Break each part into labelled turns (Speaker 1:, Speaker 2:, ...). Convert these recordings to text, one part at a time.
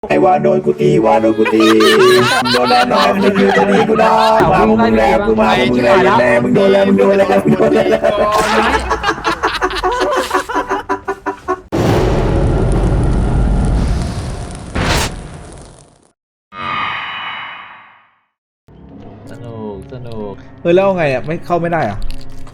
Speaker 1: ไอ้ว่าโดนกูตีว่าโดนกูตีโดนแล้วน้อยมึงอยู่ตรงนี้กูได้มามึงแล้วกูมามึงแล้วมึงโดนแล้วมึงโดนแล้วมึงโดนแล้ว
Speaker 2: สนุก
Speaker 1: เฮ้ยแล้วไงอ่ะไม่เข้าไม่ได้อ่ะ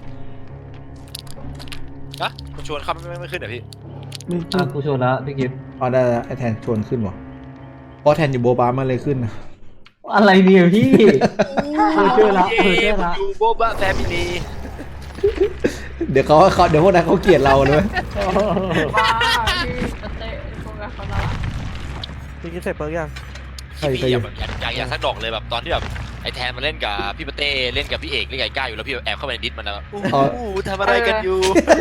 Speaker 3: นะกูชวนเข้าไม่ขึ้นเหรอพี่
Speaker 2: กูชวนแล้วพี่กิฟต์
Speaker 1: อ๋อได้ไอ้แทนชวนขึ้นวะเพราะแทนอยู่โบบามันเลยขึ้นนะ
Speaker 2: อะไรเนี่ยพี่เจอละเจอละ
Speaker 3: อยู่โบบะแฟมิลี
Speaker 1: เดี๋ยวเดี๋ยวพวกนั้นเขาเกลียดเราเลย
Speaker 4: บ้าพี่เตะพวกนั้นเขาละ
Speaker 5: พี่กินเสร็จเปิร์กยัง
Speaker 3: พี่อยากสักดอกเลยแบบตอนที่แบบไอ้แทนมาเล่นกับพี่ปะเต้เล่นกับพี่เอกเล่นกับไอ้ก้าอยู่แล้วพี่แอบเข้าไปในดิสมันนะทำอะไรกันอยู่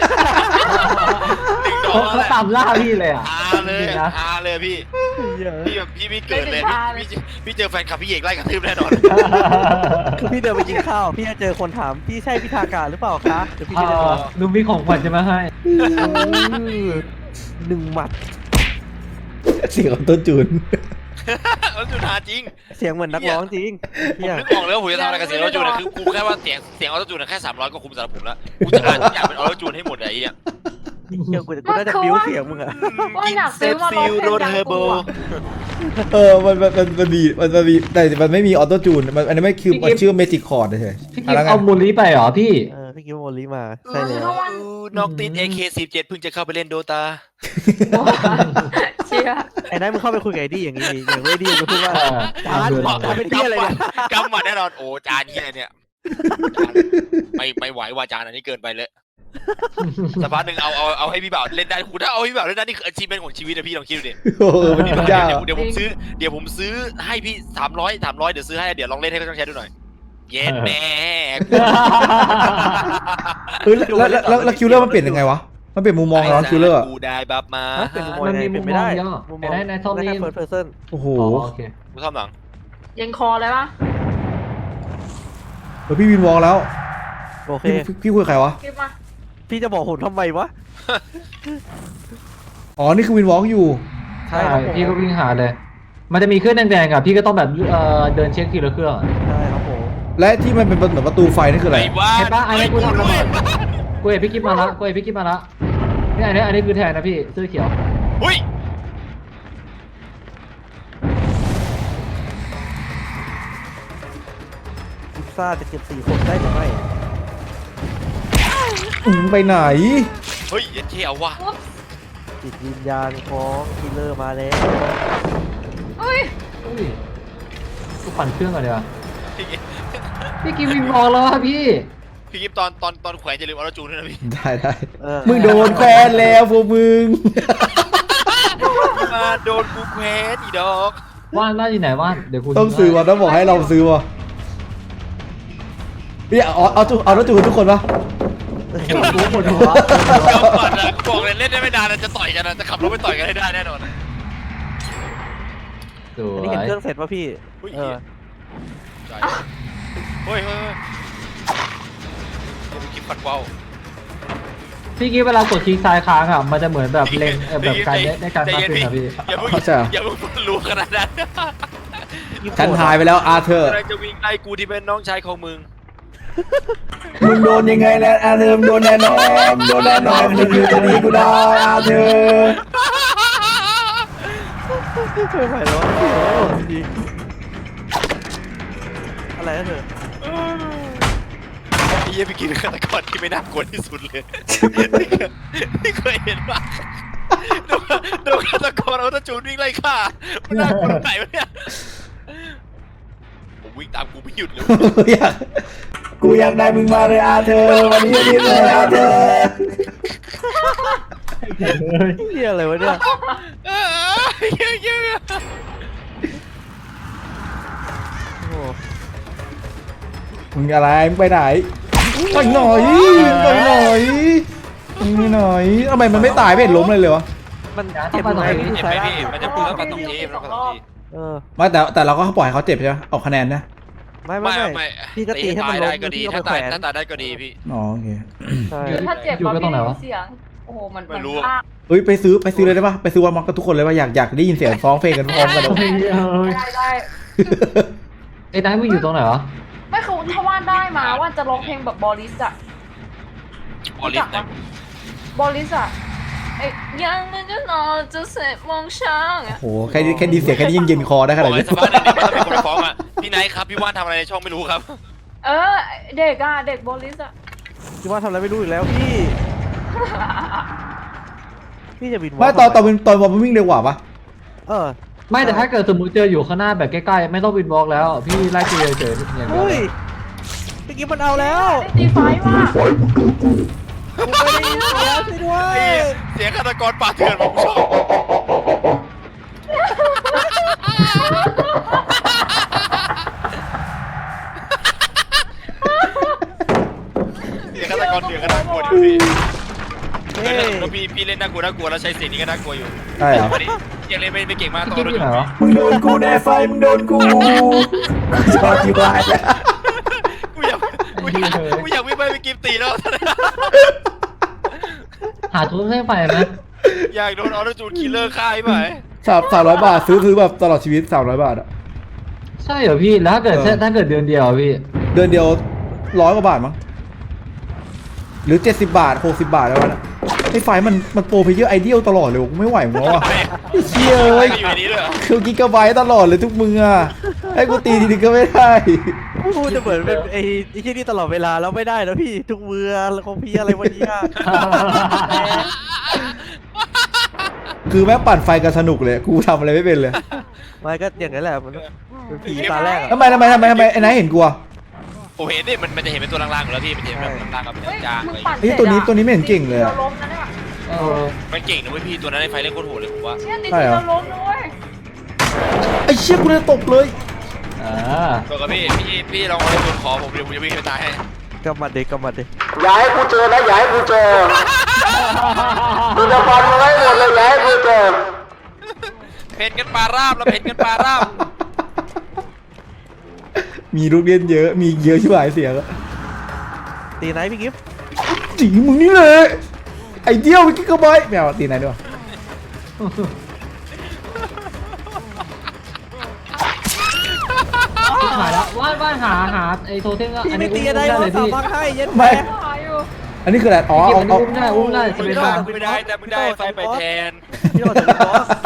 Speaker 2: เขาตามล่าพี่เลยอ่ะ
Speaker 3: อาเลยพี่พี่เกิดเลยพี่เจอแฟนคลับพี่เอกไล่กระทืบแน่นอน
Speaker 5: คือพี่เดินไปกินข้าวพี่จะเจอคนถามพี่ใช่พิธากาหรือเปล่าคะเดี๋ยวพี่จะบอก
Speaker 2: ลุงมีของขวัญจะมาให้
Speaker 5: หนึ่งหมัด
Speaker 1: เสียงของต้นจูน
Speaker 3: แล้วจูนหาจริง
Speaker 5: เสียงเหมือนนักร้องจริง
Speaker 3: ผมนึกออกเลยว่าผมจะทำอะไรกับเสียงออโต้จูนคือกูแค่ว่าเสียงออโต้จูนแค่300ก็คุ้มสำหรับผมแล้วกูจะอ่านอยากเป็นออโต้จูนให้หมดไอ้เนี่ย
Speaker 5: เดี๋ยวกูน่าจะบิ้วเสียงมึงอะ
Speaker 4: ว่าอยากซื้อมาลองเพลงดังกูอ่ะ
Speaker 1: มันมีแต่มันไม่มีออโต้จูนอันนี้ไม่คือมันชื่อเมจิกคอร์ดเฉย
Speaker 2: พี่กิฟต์เอามูลลี่ไปเหรอพี่
Speaker 5: พี่กินโมลีมาใช่เลย
Speaker 3: นอกติด AK47 เพิ่งจะเข้าไปเล่นโดตา
Speaker 4: เชีย
Speaker 5: ไอ้นั่นมึงเข้าไปคุยกับไอ้ดี้อย่างนี้อย่างไม่ดี้มึงพูดว่าจานเป็นที่อะไรเนี่ย
Speaker 3: กำมาแน่นอนโอ้จานที่ไหนเนี่ยไม่ไหวว่าจานอันนี้เกินไปเลยสักพักหนึ่งเอาให้พี่บ่าวเล่นได้คุณถ้าเอาให้พี่บ่าวเล่นได้นี่คืออาชีพเป็นของชีวิตนะพี่ลองคิดดูดิ เดี๋ยวผมซื้อให้พี่300เดี๋ยวซื้อให้เดี๋ยวลองเล่นให้เขาต้องใช้ดูหน่อยเย็นแม่
Speaker 1: แล้วคิวเลอร์มันเปลี่ยนยังไงวะมันเปลี่ยนมุมมองแล้วคิวเลอร์
Speaker 3: กูได้บัฟมา
Speaker 2: มันมีมุมมองเยอะได้ในท่อนี้
Speaker 5: เฟิร์สเพอร์เซน
Speaker 1: โอ้โห
Speaker 2: โอเค
Speaker 3: กูชอบหนัง
Speaker 4: ยังคอเลยปะ
Speaker 1: พี่วินวอลแล้ว
Speaker 5: โอเค
Speaker 1: พี่คุยใครวะ
Speaker 4: คลิปมา
Speaker 5: พี่จะบอกผมทำไมวะ
Speaker 1: อ๋อนี่คือวินวอลอยู่
Speaker 2: ใช่พี่ก็วิ่งหาเลยมันจะมีเครื่องแดงๆอ่ะพี่ก็ต้องแบบเดินเช็คทีละเครื่อง
Speaker 5: ใช่ครับผม
Speaker 1: และที่มันเป็นเหมือนประตูไฟนี่คืออะไร
Speaker 2: เห็นปะอันนี้กูทำระเบิดกูเห็นพี่กิ๊บมาละนี่อันนี้คือแทนนะพี่เสื้อเขียว
Speaker 3: หุ้ย
Speaker 5: พิซซ่าจะเก็บ4 คนได้หรือไม่
Speaker 1: ไปไหน
Speaker 3: เฮ้ยเที่ยวว่ะ
Speaker 5: จิตวิญญาณของคิลเลอร์มาแล้ว
Speaker 4: เฮ้ย
Speaker 2: กูปั่นเครื่องก่อนเดี๋ยวพี่กิ๊บวิ่งรอแล้วอะพี่
Speaker 3: กิ๊บตอนแขวนจะลืมเอาจูนด้วยนะพี่
Speaker 1: ได้มึงโดนแควนแล้วพวกมึง
Speaker 3: มาโดนกูแขวนอีดอก
Speaker 2: ว่านอยู่ไหนว่านเดี๋ยวกู
Speaker 1: ต้องซื้อวะต้องบอกให้เราซื้อวะพี่เอารถจูนทุกคนปะ
Speaker 2: กูปวดหัว
Speaker 3: บอกเลยเล่นได้ไม่นานจะต่อยกันนะจะขับรถไปต่อยกันให้ได้แน่นอน
Speaker 2: สว
Speaker 5: อัน
Speaker 2: ย
Speaker 5: นี้เห็นเครื่องเสร็จป่ะพี่
Speaker 3: เฮ้ยกิ๊บปัดว่าว
Speaker 2: พี่กิ๊บเวลากดคลิกซ้ายค้างอ่ะมันจะเหมือนแบบเล็งแบบการได้การตัดสินอ่ะพี่
Speaker 3: อย่าเพิ่งรู้ขนาดนั้น
Speaker 1: ฉันหายไปแล้วอาเธอร์
Speaker 3: จะวิ่งไล่กูที่เป็นน้องชายของมึง
Speaker 1: มึงโดนยังไงนะอาเธอร์โดนแน่นอนมึงอยู่ตรงนี้กูได้อาเธอร์
Speaker 5: ไม่ไหวแล้วจริงอะไรนะเธอ
Speaker 3: ไอ้เหี้ยพี่กินฆาตกรที่ไม่น่ากลัวที่สุดเลยนี่เคยเห็นปะโดนฆาตกรเอาตะจูนวิ่งไล่ฆ่ามันน่ากลัวตรงไหนวะเนี่ยผมวิ่งตามกูไม่หยุดเลย
Speaker 1: กูอยากได้มึงมาเลยอาเธอร์วันนี้รีบเลยอาเธอร์
Speaker 5: เฮียอะไรวะเนี่ยโอ้
Speaker 1: มึงอะไรมึงไปไหนไปหน่อยทำไมมันไม่ตายไม่เห็นล้มเลยเลยวะ
Speaker 5: มันเจ็บไหมพี่
Speaker 3: เจ็บไหมพี่มันจะพูดแล้วมันต้องที
Speaker 1: ไม่แต่เราก็ปล่อยเขาเจ็บใช่ไหมออกคะแนนนะ
Speaker 5: ไม่พี่ก็ตีให้มันล้ม
Speaker 3: ได้ก็ดีถ้าตายได้ก็ดีพี่
Speaker 1: อ๋อโอเค
Speaker 4: ถ้าเจ็บก็มีเสียงโอ้โหมัน
Speaker 3: ไม่รู้
Speaker 4: ลาก
Speaker 1: เฮ้ยไปซื้อเลยได้ปะไปซื้อวันม็อกกับทุกคนเลยปะอยากได้ยินเสียงร้องเพลงกันพร้อมกันเลย
Speaker 4: ได้
Speaker 2: ไอ้นายมึงอยู่ตรงไหนวะ
Speaker 4: ไม่คือถ้าว่านได้มาว่านจะร้องเพลงแบบบอริสอะ
Speaker 3: ออลิสนะ
Speaker 4: บอริสอะไอ้ยังเงินจะนอนจะเสร็จมองช้างอะ
Speaker 1: โอ้โหแค่ดีเสียงแค่นี้ยังเย็นคอได้ข
Speaker 3: บ
Speaker 1: นา
Speaker 3: อ
Speaker 1: ด
Speaker 3: กไอ้
Speaker 1: นี้
Speaker 3: สภาพนั้นเนี่ยมันต้องเป็นคนฟ้องอ่ะพี่ไนท์ครับพี่ว่านทำอะไรในช่องไม่รู้ครับ
Speaker 4: เออเด็กอะเด็กบอริสอะ
Speaker 5: พี่ว่าทำอะไรไม่รู้อีกแล้วพี่ พี่จะบิน
Speaker 1: ไม่ตอนมันวิ่งเร็วกว่าปะ
Speaker 5: เออ
Speaker 2: ไม่แต่ถ้าเกิดสมมติเจออยู่ข้างหน้าแบบใกล้ๆไม่ต้องวินบล็อกแล้วพี่ไล่ตีเฉยๆอย่างเดียว
Speaker 5: เฮ้ยเมื่อกี้มันเอาแล้ว
Speaker 4: ได้ตีไฟว่ะ
Speaker 5: กูไม่ได้ยินเสียงสิด้วย
Speaker 3: เสียงฆาตกรป่าเถื่อนผมชอบเสียงฆาตกรเถื่อนก็น่ากลัวดิพี่
Speaker 5: เฮ้ย
Speaker 3: แล้วพี่เล่นน่ากลัวแล้วใช้เสียงนี้ก็น่ากลัวอยู่
Speaker 1: ใช่เหรอ
Speaker 3: วันนี้ยังเล่นไม่เก่งมาก
Speaker 2: พี่
Speaker 3: ตัว
Speaker 2: กิ๊กอยู่ไหนวะ
Speaker 1: มึงโดนกูแน่ไฟมึงโดนกูชอบที่บ้านแล้ว
Speaker 3: กูอยากวิ่งไปกิมตีแล้ว
Speaker 2: หาทุนเส้นไฟไหม
Speaker 3: อยากโดนออโต้จูนคิลเลอร์ฆ่าไหม
Speaker 1: 300 บาทซื้อแบบตลอดชีวิต300 บาทอะ
Speaker 2: ใช่เหรอพี่แล้วถ้าเกิดเดือนเดียวอะพี่
Speaker 1: เดือนเดียว100 กว่าบาทมั้งหรือ70 บาท60 บาทแล้วนะไอ้ไฟมันโปรเพลเยอร์ไอเดียลตลอดเลยกูไม่ไหวมึงแล้วอะไอ้เชี่ยเอ้ย
Speaker 3: อยู่ในนี้ด้วยเหรอ
Speaker 1: คือกิกะไบต์ตลอดเลยทุกมืออะให้กูตีทีนึงก็ไม่ได้
Speaker 5: พูดจะเหมือนเป็นไอ้ที่นี่ตลอดเวลาแล้วไม่ได้นะพี่ทุกเมือแล้วของพี่อะไรวันนี้อะ
Speaker 1: คือแม่งปั่นไฟกันสนุกเลยกูทำอะไรไม่เป็นเลย
Speaker 5: ไม่ก็อย่างนั้นแหละมันเป็นผีตาแรกอะ
Speaker 1: ทำไมไอ้นายเห็นกูอะ
Speaker 3: ผมเห็นดิมันจะเห็นเป็นตัวล่างๆอยู่แล้วพี่มันจะเห็นแบบล่างๆกับ
Speaker 4: เฮ้ย
Speaker 3: จาง
Speaker 4: มึ
Speaker 3: เล
Speaker 4: ง
Speaker 3: ย
Speaker 4: ปั่น
Speaker 1: ไอ้ตัวนี้ไม่เห็นเก่งเลยอะ
Speaker 4: เราล้มนะเนี่ย
Speaker 2: เออ
Speaker 3: มันเก่งนะเว้ยพี่ตัวนั้นในไฟเล่นโคตรโหดเลยผมว่า
Speaker 4: เชี่ยตีเราล้มนะเว้ย
Speaker 1: ไอ้เชี่ยกูเลยตกเลย
Speaker 2: อ่า
Speaker 3: ตัวกับพี่ลองเอาตัวขอผมเดี๋ยวผมจะวิ่งไปตายให้
Speaker 5: กำมัดเด็กกำมัดเด็ก
Speaker 1: อย่าให้กูเจอนะอย่าให้กูเจอกูจะฟันมึงให้หมดเลยอย่าให้กูเจอ
Speaker 3: เพ่นกันปลาราบแล้วเพ่นกันปลาราบ
Speaker 1: มีลูกเล่นเยอะมีเยอะชิบหายเสียงอะ
Speaker 5: ตีไหนพี่กิฟต์
Speaker 1: จีมึงนี่เลยไอเดียวกิกะไบต์ไม่เอาตีไหนด้วย
Speaker 2: หายแล้วว่านหาไอ้โทเทมก็
Speaker 5: พี่
Speaker 2: อัน
Speaker 5: ไม่
Speaker 2: นี้
Speaker 5: ตี
Speaker 2: อุ้ม
Speaker 5: อะไร
Speaker 2: ได้
Speaker 5: วะ
Speaker 2: เลย
Speaker 5: สา
Speaker 2: พี่
Speaker 5: มักให้เย็น
Speaker 1: ไม่
Speaker 4: หายอยู่
Speaker 1: อันนี้คืออะไรอ๋อ
Speaker 2: พี่
Speaker 1: เอา
Speaker 2: อุ้มได้จะเป็นทาง
Speaker 3: ไม่ได้แต่ไม่ได้ไฟไปแทน
Speaker 5: พี่โดนถึงบอส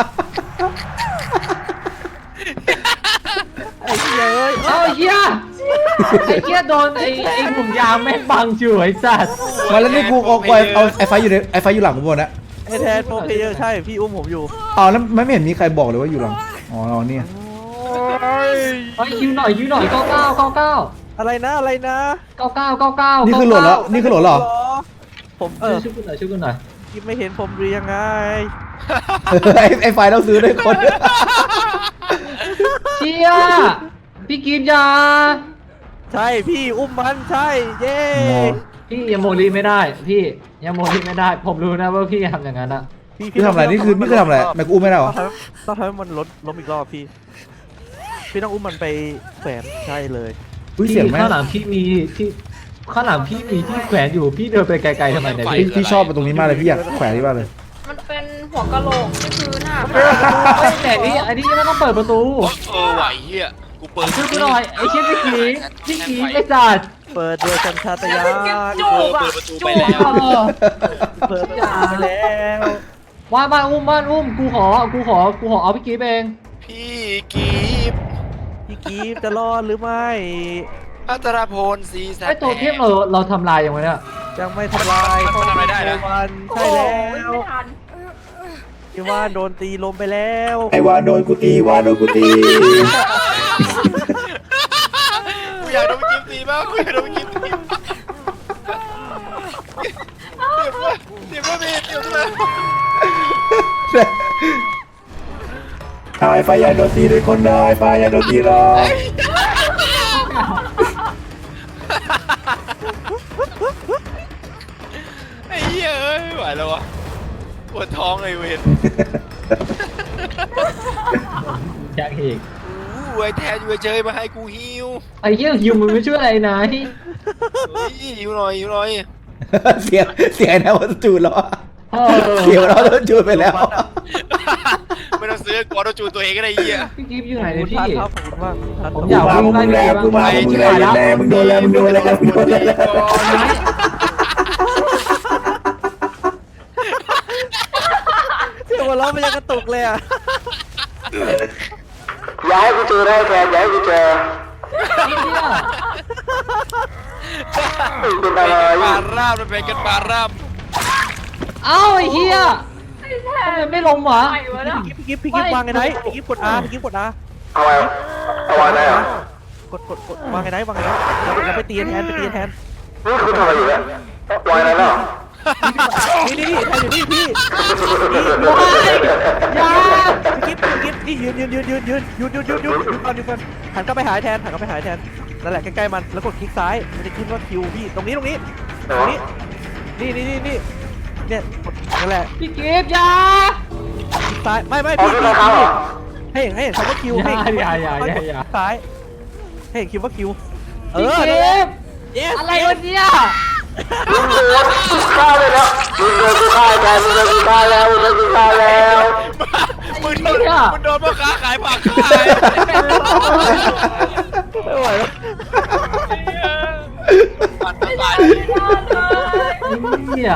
Speaker 5: ไอ้เหี้ยเอ้ย
Speaker 2: เอาไอ้เหี้ยโดนไอ้หนุ่มยามแม่งบังอยู่ไอ้สัตว์
Speaker 1: มาแล้วนี่กูเอาไอไฟอยู่ในไอไฟอยู่หลังกูหมดนะ
Speaker 5: ไอ้แทนโปรเพลเยอร์ใช่พี่อุ้มผมอยู่
Speaker 1: อ๋อแล้วไม่เห็นมีใครบอกเลยว่าอยู่หลังอ๋อเนี่ย
Speaker 2: เฮ้ยคิวหน่อย99
Speaker 5: อะไรนะ
Speaker 2: 99
Speaker 1: นี่คือโหลดแล้วนี่คือโหลดเหรอ
Speaker 5: ผม
Speaker 2: ช่วยกูหน่อย
Speaker 5: กิฟไม่เห็นผมหรือยังไง
Speaker 1: ไอไฟเราซื้อได้คน
Speaker 2: เชี่ยพี่กินยา
Speaker 5: ใช่พี่อุ้มมันใช่เย้
Speaker 2: พี่ยังโมลีไม่ได้พี่ยังโมลีไม่ได้ผมรู้นะว่าพี่ทำอย่างนั้นอะ
Speaker 1: พี่ทำอะไรนี่คือทำอะไรแม่กูอุ้มไม่ได้หรอ
Speaker 5: ต้องทำให้มันล้มอีกรอบพี่ต้องอุ้มมันไปแขวนใช่เลย
Speaker 1: อุ้ย
Speaker 2: พี่
Speaker 1: เสียงแม่
Speaker 2: ข้างหลังพี่มีที่ข้างหลังพี่มีที่แขวนอยู่พี่เดินไปไกลๆทำไมเนี่ยพี่
Speaker 1: พี่ชอบตรงนี้มากเลยพี่อยากแขวนที่บ้านเลย
Speaker 4: มันเป็นหัวกะโหลกที่พื้นอ่ะ
Speaker 2: แต่นี่อันนี้ไม่ต้องเปิดประตู
Speaker 3: ไหวเฮียกูเปิด
Speaker 2: ช่วยกูหน่อยไอ้เชี่ยพี่กีไอ้สัตว์
Speaker 5: เปิดด้วยสัญชาตญาณ
Speaker 4: จูบอ่ะ
Speaker 3: เปิดประตูไปแล้ว
Speaker 5: เปิดยาไปแล้ว
Speaker 2: บ้านอุ้มกูขอเอาพี่กีเอง
Speaker 3: พี่กีบ
Speaker 5: พี่กีฟจะรอดหรือไม่
Speaker 3: อัตราพลสีแส
Speaker 2: ไอ้ตัวเทพเราทำลายยังไงเนี่ย
Speaker 5: ยังไม่ทำลาย
Speaker 3: มันทำอะไรได้นะ
Speaker 5: วัน
Speaker 4: โอ้
Speaker 5: ใช่
Speaker 4: โห
Speaker 5: แล้ว
Speaker 4: ไม่ทัน
Speaker 5: ที่ว่าโดนตีลมไปแล้ว
Speaker 1: ไอวานโดนกูตีวานโดนกูตี
Speaker 3: กูอยากโดนกิมตีบ้างกูอยากโดนกิมตีเดี๋ยวไม่เดี๋ยวเลย
Speaker 1: ไอไฟอย่าโดนตีด้วยคนเดียวไอไฟอย่าโดนตีหรอก
Speaker 3: ไอ้เหี้ยเอ้ยไม่ไหวแล้ววะปวดท้องเลยเวร
Speaker 2: อยากอีก
Speaker 3: ไอ้แทนอยู่เฉยมาให้กูฮิว
Speaker 2: ไอ้เหี้ยฮิวมึงไม่ช่วยอะไรนะที่
Speaker 3: ฮิวหน่อย
Speaker 1: เสียงไอ้นะว่าจูนแล้วอะเขียวเราโดนจูนไปแล้ว
Speaker 3: ไม่ต้องซื้อกอร์จูตัวเองก็ได้เหี้ย
Speaker 2: พี่กิฟต์อยู่ไหน
Speaker 5: ขอบ
Speaker 2: เนี่ย
Speaker 5: คุณ
Speaker 2: พี่
Speaker 5: ครับขอบคุณมากท่าน
Speaker 2: ผมอยาก
Speaker 1: กูมามึงแล้วกูมามึงแล้วมึงโดนแล้วมึงโดนแล้วมึงโดนแล้ว
Speaker 5: เสียงหัวเราะมันยังกระตุกเลยอ่ะ
Speaker 1: ย้ายกูเจอได้แทนย้ายกูเจอ
Speaker 3: เป็นปลาราบมันเป็นกันปลาราบ
Speaker 2: เอ้าไอ้เหี้ยทำไมไม่ลงวะ
Speaker 4: ไปวะเนี่ย
Speaker 5: พี่กิฟต์วางไงไหนพี่กิฟต์กด R พี่กิฟต์กด R
Speaker 1: เอาไว้เอาไว้ได้เหรอก
Speaker 5: ดวางไงไหนเราไปตีแทน
Speaker 1: นี่คุณทำอะไรอยู่เนี่ยไว้ได้แล้ว
Speaker 5: นี่แทนอยู่นี่พี่
Speaker 2: อย่า
Speaker 5: พี่กิฟต์นี่ยืนก่อนหันกลับไปหาแทนนั่นแหละใกล้ๆมันแล้วกดคลิกซ้ายมันจะขึ้นว่าคิวพี่ตรงนี้นี่เนี่ยนั่นแหละ
Speaker 2: พี่กิฟต์อย่า
Speaker 5: คลิกซ้ายไม่พี่ให้เห็นคำว่าคิวให้ซ้ายให้เห็นคิวว่าคิว
Speaker 2: พี่กิฟต์
Speaker 5: yes
Speaker 2: อะไรวะเนี่ย
Speaker 1: ฆ่าเลยแล้วมึงโดนกูฆ่าแทนมึงโดนกูฆ่าแล้ว
Speaker 3: มึงโดนพ่อค้าขายผักขาย
Speaker 5: ไม่ไหวแล้ว
Speaker 3: ปั่นตลาด
Speaker 2: เนี่ย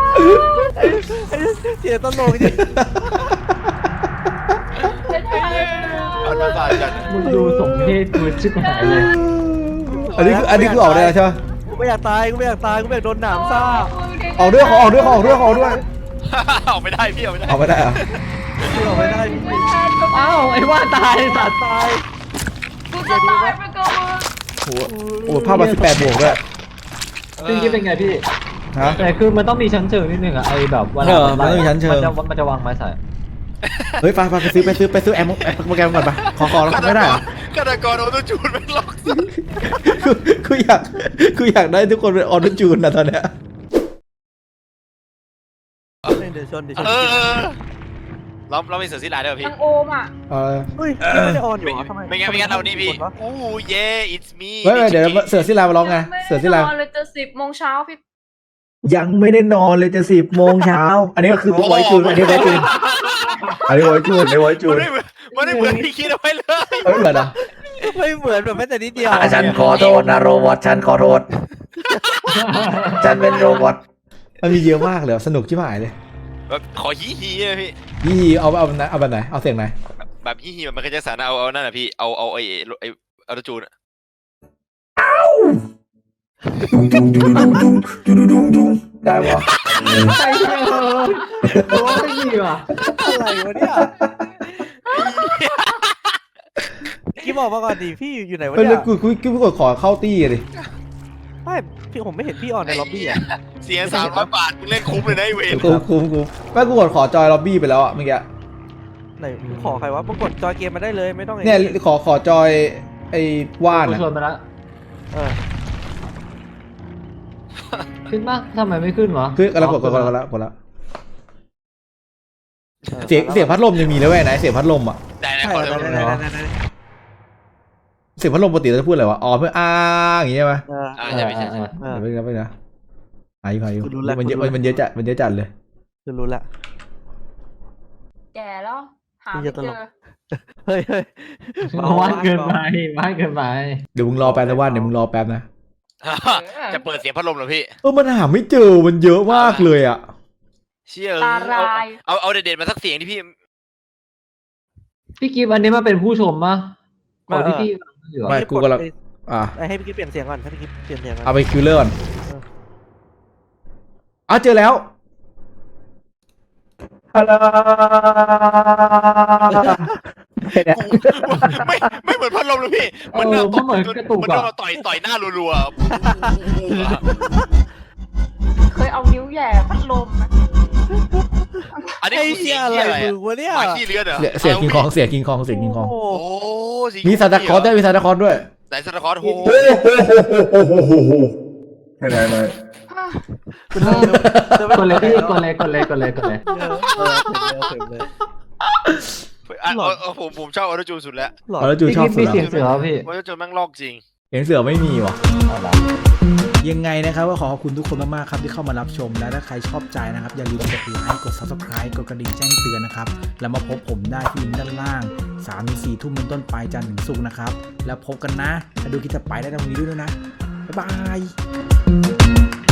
Speaker 5: เสียตลกจริง
Speaker 3: ปั่นตลาดจัด
Speaker 2: มึงดูสมเพศกูชิบหายเลย
Speaker 1: อันนี้คือออกได้แล้วใช่ไหม
Speaker 5: กูไม่อยากตายกูไม่อยากโดนหนามซ่า
Speaker 1: ออกด้วยออกด้วย
Speaker 3: ออกไม่ได้พี่ออกไม่ได้
Speaker 1: ออกไม่ได้เหรอ
Speaker 5: ที่ออกไม่ได้
Speaker 2: เอ้าไอ้ว่าตายสัตว์ตาย
Speaker 4: กูจะตายไปก่อน
Speaker 1: โอ้ภาพมา18 บวกด้วย
Speaker 2: พี่กิฟต์เป็นไงพี่
Speaker 1: ฮะ
Speaker 2: แต่คือมันต้องมีชั้นเชิงนิดนึงอะไอ้แบบว่า
Speaker 1: มันต้องมีชั้นเชิง
Speaker 2: มันจะวางไม้ใส่
Speaker 1: เฮ้ยไปซื้อแอมโปรแกรมก่อนไปขอแล้วไม่ได้เหรอ
Speaker 3: ฆาตกรออโต้จูนไม่ล็อก
Speaker 1: กูอยากได้ทุกคนเป็นออโต้จูนนะตอนเนี้ย
Speaker 5: เดี๋ยวชน
Speaker 3: เรามีเสือสีลายด้วยพี่
Speaker 4: ทางโอมอ่ะ
Speaker 5: เฮ้ยไม่ได้ออนอยู่เหรอทำไม
Speaker 3: ไม่งั้นเรานี่พี่อู้เย่ it's me
Speaker 1: เดี๋ยวเสือศิลามาร้องไงเสือศิลา
Speaker 4: ไม่ได้นอนเลยจะ10 โมงเช้าพี่
Speaker 1: ยังไม่ได้นอนเลยจะ10 โมงเช้าอันนี้ก็คือไว้จูนอันนี้ไว้จูน
Speaker 3: มันไม่เหมือนที่คิดเอาไว้เลย
Speaker 1: เฮ้ยเหมือนอ่ะ
Speaker 5: ไม่เหมือนแบบแม้แต่นิดเดียว
Speaker 1: ฉันขอโทษนะโรบอทฉันขอโทษฉันเป็นโรบอทมันมีเยอะมากเลยสนุกชิบหายเลย
Speaker 3: แบบขอฮีฮีเลยพี่
Speaker 1: ยี่เอาแบบไหนเอาเสียงไหน
Speaker 3: แบบฮีฮีมันก็จะสารเอานั่นแหละพี่เอาไอ้ออโต้จูน
Speaker 1: ได้ปะ
Speaker 2: ใช่โอ้ยดีว่ะ
Speaker 5: อะไรวะเนี่ยกิ๊บบอกมาก่อนดิพี่อยู่ไหนวะ
Speaker 1: เฮ้ย
Speaker 5: เนี่
Speaker 1: แล้ว
Speaker 5: ย
Speaker 1: กูกดขอเข้าตี้ดิ
Speaker 5: ไม่พี่ผมไม่เห็นพี่ออนในล็อบบี้อ่ะ
Speaker 3: เสีย300 บาทมึงเล่นคุ้มเลยนะไอ้เวร
Speaker 1: กูแม่กูกดขอจอยล็อบบี้ไปแล้วอ่ะเมื่อกี้
Speaker 5: ไหนขอใครวะปรากฏจอยเกมมาได้เลยไม่ต้อง
Speaker 1: เนี่ยขอจอยไอ้ว่าน
Speaker 2: กู
Speaker 1: อ่ะ
Speaker 2: ชวนมาแล้ว
Speaker 5: เออ
Speaker 2: ขึ้นปะทำไมไม่ขึ้นวะ
Speaker 1: คือกดแล้วเสียงพัดลมยังมีเลยเว้ยไหนเสียงพัดลมอ่ะ
Speaker 3: ได้นะ
Speaker 5: ใช่
Speaker 3: ขอเลย
Speaker 5: ได้
Speaker 1: เสียงพัดลมปกติเราจะพูดอะไรวะอ๋อเพื่ออย่างงี้ใช่ไหม
Speaker 3: ใช่ไม่ใช่
Speaker 1: ไม่นะอายุมันเยอะจัดเลย
Speaker 5: คือรู้ละ
Speaker 4: แก่แล้ว หาไม่เจอ
Speaker 5: เฮ้ย
Speaker 2: ว่านเกินไปว่านเกินไป
Speaker 1: เดี๋ยวมึงรอแป๊บนะว่านเดี๋ยวมึงรอแป๊บนะ
Speaker 3: จะเปิดเสียงพัดลมเหรอพี่
Speaker 1: มันหาไม่เจอมันเยอะมากเลยอ่ะ
Speaker 3: เชี่ย
Speaker 4: ตาลาย
Speaker 3: เอาเด็ดๆมาสักเสียงที่พี่
Speaker 2: พี่กิฟต์อันนี้มาเป็นผู้ชมปะขอที่พี่อยู่
Speaker 1: ไม่กูกำลัง
Speaker 5: ให้พี่กิ๊บเปลี่ยนเสียงก่อนให้พี่กิ๊บเปลี่ยนเสียงก่อน
Speaker 1: เอาไปคิวเลอร์ก่อนเจอแล้วฮัลโหล
Speaker 3: ไม่เหมือนพัดลมเลยพี่
Speaker 2: มันเหมือนกระตุก
Speaker 3: มัน
Speaker 2: อะ
Speaker 3: โดนมาต่อยหน้ารัว
Speaker 4: เคยเอานิ้วแหย่พัดลมนะ
Speaker 3: ๆอันนี้คือเสียง
Speaker 5: อะไร
Speaker 3: อะไร
Speaker 5: มึงวะเนี่ย
Speaker 3: หมาขี้เลือดเหรอ
Speaker 1: เสียงกิงคองเสียงกิงคอง
Speaker 5: โอ้
Speaker 3: โอ้
Speaker 1: มีซานตาคลอสด้วย
Speaker 3: ไหนซานตาคลอสโอ้
Speaker 1: ไม่ได้เลย
Speaker 2: กดเลยพี่กดเลย
Speaker 5: เถิดเลย
Speaker 3: ผมชอบออโต้จูนสุดแล้ว
Speaker 1: แล้วจู
Speaker 2: พี่
Speaker 1: ชอบ
Speaker 2: กิฟต์
Speaker 1: สุ
Speaker 2: มี
Speaker 1: ด
Speaker 2: เสียงเสือพี่
Speaker 3: ออโต้จูนแม่งลอกจริง
Speaker 1: เสียงเสือไม่มีว่ะ
Speaker 6: ยังไงนะครับก็ขอขอบคุณทุกคนมากๆครับที่เข้ามารับชมและถ้าใครชอบใจนะครับอย่าลืมกดไลค์กด Subscribe กดกระดิ่งแจ้งเตือนนะครับแล้วมาพบผมได้ที่ลิงก์ด้านล่าง 3-4 ทุ่มเป็นต้นไปจันทร์ถึงศุกร์นะครับแล้วพบกันนะถ้าดูคลิปต่อไปได้ตรงนี้ด้วยนะบ๊ายบาย